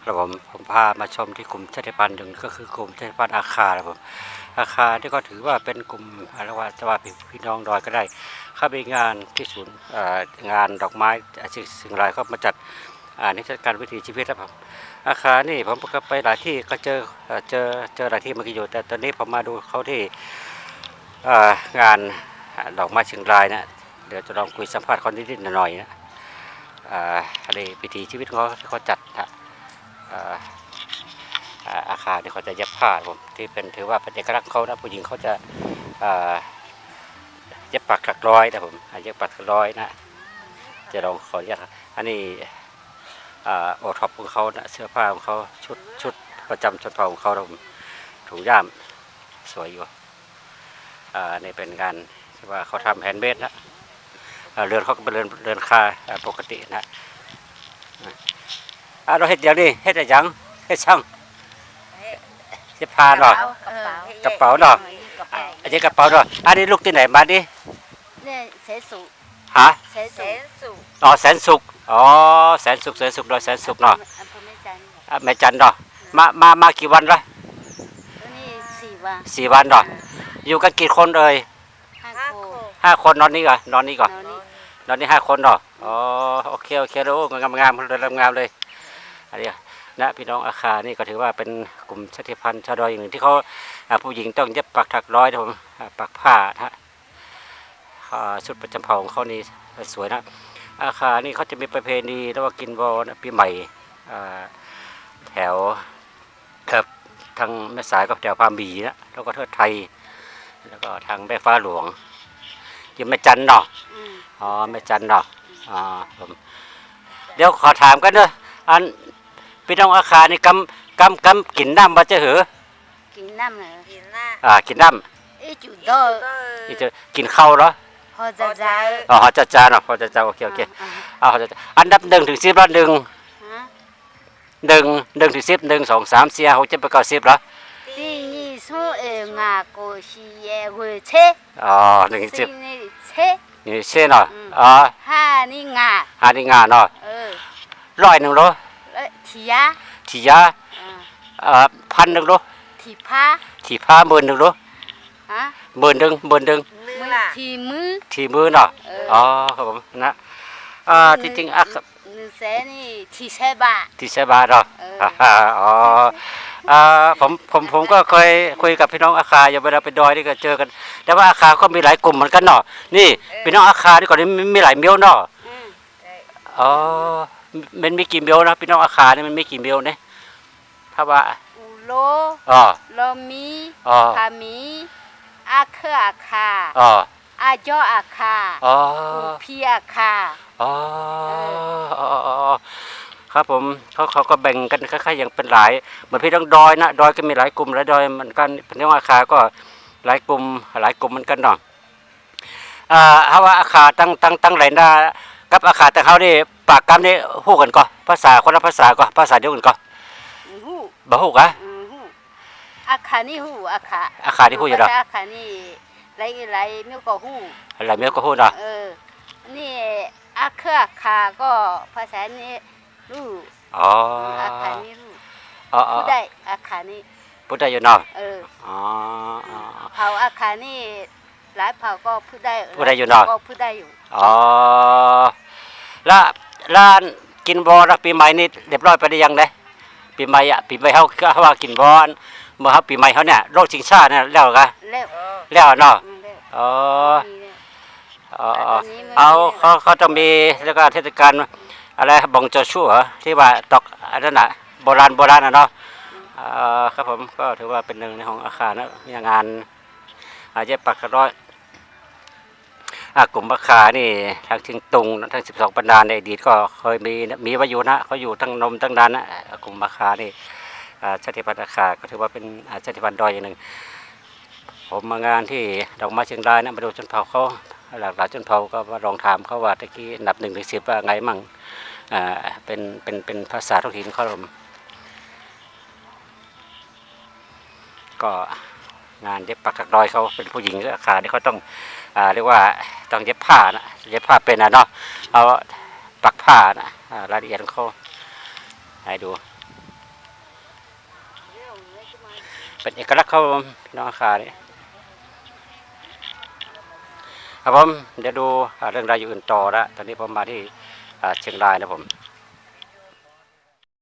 ครับผมพามาชมที่กลุ่มชาติพันธุ์หนึ่งก็คือกลุ่มชาติพันธุ์อาคาครับผมอาคาที่ก็ถือว่าเป็นกลุ่มอะไรว่าจะว่าพี่น้องดอยก็ได้เข้าไปงานที่ศูนย์งานดอกไม้สิ่งไรเขามาจัดนิทรรศการวิถีชีวิตครับผมอาคานี่ผมก็ไปหลายที่ก็เจอหลายที่เมื่อกี้อยู่แต่ตอนนี้ผมมาดูเขาที่งานดอกไม้เชียงรายนะเดี๋ยวจะลองคุยสัมภาษณ์คนนิดๆหน่อยๆนะอะไรวิถีชีวิตของเขาที่เขาจัดอาคารที่เขาจะเย็บผ้าผมที่เป็นถือว่าเป็นเอกลักษณ์เขานะผู้หญิงเขาจะเย็บปักถักร้อยนะผมเย็บปักถักร้อยนะจะลองขออนุญาตอันนี้โอท็อปของเขานะเสื้อผ้าของเขาชุดประจำชนเผ่าของเขาผมถุงย่ามสวยอยู่นี่เป็นการที่ว่าเขาทำแฮนด์เมดนะเรือนเขาก็เป็นเรือนคาปกตินะเราเห็ดอย่างนี้เห็ดอย่างเห็ดช่างเสื้อผ้าเนาะกระเป๋าเนาะอันนี้กระเป๋าเนาะอันนี้ลูกที่ไหนมาดิเนี่ยเสสุฮะเสสุอ๋อแสนสุขอ๋อแสนสุขเนาะแสนสุขเนาะแม่จันเนาะมากี่วันละนี่4 วัน 4 วันเนาะอยู่กันกี่คนเอ่ย5 คนนอนนี่ก่อนนอนนี่5 คนเนาะอ๋อโอเคแล้วงามเลยอันนี้นะพี่น้องอาคานี่ก็ถือว่าเป็นกลุ่มชาติพันธุ์ชาวดอยอย่างหนึ่งที่เขาผู้หญิงต้องเย็บปักถักร้อยนะผมปักผ้านะชุดประจำเผ่าของเขานี่สวยนะอาคานี่เขาจะมีประเพณีเรียกว่ากินวอนะปีใหม่แถวทางแม่สายกับแถวพามีนะแล้วก็เทิดไทยแล้วก็ทางแม่ฟ้าหลวงยังแม่จันเนาะอ๋อแม่จันเนาะผมเดี๋ยวขอถามกันเนอะอันพี่น้องอาคานี่กำกินน้ำมาจะเหรอกินน้ำเหรอกินน้ำจุดจะกินข้าวเหรอพอจะจ้าพอจะจ้าเนาะพอจะจ้าโอเคอันดับ1 ถึง 10แล้ว1ถึง 10 1 2 3 4 5 6 7 8 9 10เหรอ第二首5個是會車อ๋อ1 ถึง 10นี่เช่เนาะ 5นี่งาเนาะ100เหรอทียา1,000เหรอทีผ้า10,000เหรอ10,000ทีมือเนาะอ๋อครับผมนะจริงๆนี่ทีเซบาเนาะอ๋อผมก็เคยคุยกับพี่น้องอาคาอย่าเวลาไปดอยนี่ก็เจอกันแต่ว่าอาคาก็มีหลายกลุ่มเหมือนกันเนาะนี่พี่น้องอาคานี่ก่อนนี้มีหลายเมียวเนาะอ๋อมันมีกี่เมียวนะพี่น้องอาคานี่มันมีกี่เมียวเนี่ยถ้าว่าโลมีพามีอาเคอาคาอาจออาคาพีอาคาครับผมเขาก็แบ่งกันคล้ายๆอย่างเป็นหลายเหมือนพี่น้องดอยนะดอยก็มีหลายกลุ่มหลายดอยเหมือนกันพี่น้องอาคาก็หลายกลุ่มเหมือนกันเนาะถ้าว่าอาคาตั้งหลายหน้ากับอาคาแต่เขานี่ปากกำนี่ฮู้กันก็ภาษาคนละภาษาก็ภาษาเดียวกันก็บ่ฮู้กะอาคานี่ฮู้อาคานี่ฮู้อยู่ดอกอาคานี่หลายเมียวก็ฮู้หลายเมียวก็ฮู้เนาะนี่อาคาก็ภาษานี้รู้อาคานี่รู้พูดได้อาคานี่พูดได้อยู่เนาะเผ่าอาคานี่หลายเผ่าก็พูดได้อยู่เนาะก็พูดได้อยู่แล้วกินบอลปีใหม่นี่เรียบร้อยไปได้ยังไงปีใหม่เขาว่ากินบอลเมื่อปีใหม่เขาเนี่ยโรคชิงชาเนี่ยแล้วกันแล้วเนาะเขาต้องมีแล้วก็เทศกาลอะไรบองโจชัวที่ว่าตอกอันนั้นน่ะโบราณนะเนาะครับผมก็ถือว่าเป็นหนึ่งในของอาคารนะมีงานเย็บปักร้อยกลุ่มอาคานี่ทางเชียงตุงทั้ง12 ปันดาในอดีตก็เคยมีวายุนะเขาอยู่ทั้งนมทั้งดานนะกลุ่มอาคานี่ชาติพันธุ์อาคาก็ถือว่าเป็นชาติพันธุ์ดอยอย่างหนึ่งผมมางานที่ดอกไม้เชียงรายนะมาดูชนเผ่าเขาหลากหลายชนเผ่าก็มาลองถามเขาว่าตะกี้อันดับ1 ถึง 10ว่าไงมั่งเป็นภาษาท้องถิ่นเขาก็งานเย็บปักถักร้อยเขาเป็นผู้หญิงอาคาที่เขาต้องเรียกว่าต้องเย็บผ้านะเย็บผ้าเป็นเนาะเอาปักผ้านะรายละเอียดของเขาให้ดูเป็นเอกลักษณ์ครับผมพี่น้องอาคานี่ครับผมเดี๋ยวดูเรื่องราวอยู่อื่นต่อละตอนนี้ผมมาที่เชียงรายนะผม